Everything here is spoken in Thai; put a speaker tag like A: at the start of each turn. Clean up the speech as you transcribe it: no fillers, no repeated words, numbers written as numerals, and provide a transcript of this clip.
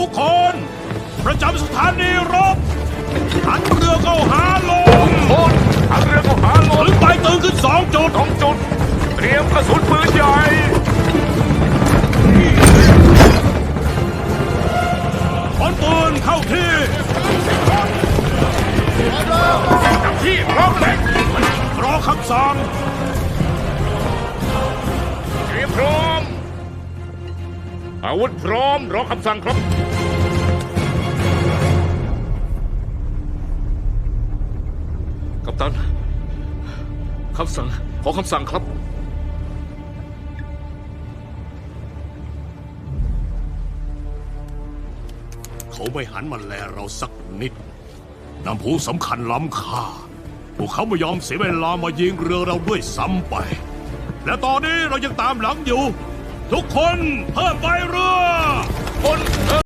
A: กคนประจำสถานีรบหันเรือเข้าหาลม
B: โอนหันเรือเข้าหาล
A: ถึ
B: ม
A: งไปตื่นขึ้น2 จุด
B: 2 จุดเตรียมกระสุนปืนใหญ่
A: ขนปืนเข้าที่
B: จับที่พร้อมเลย
A: รอคำสั่ง
B: เตรียมพร้อมอาวุธพร้อมรอคำสั่งครับ กัปตันคำสั่งขอคำสั่งครับ
A: เขาไม่หันมาแลเราสักนิดน้ำผูสำคัญล้ำค่าพวกเขาไม่ยอมเสียเวลามายิงเรือเราด้วยซ้ำไป และตอนนี้เรายังตามหลังอยู่ ทุกคนเพิ่มไฟเรือ
B: คน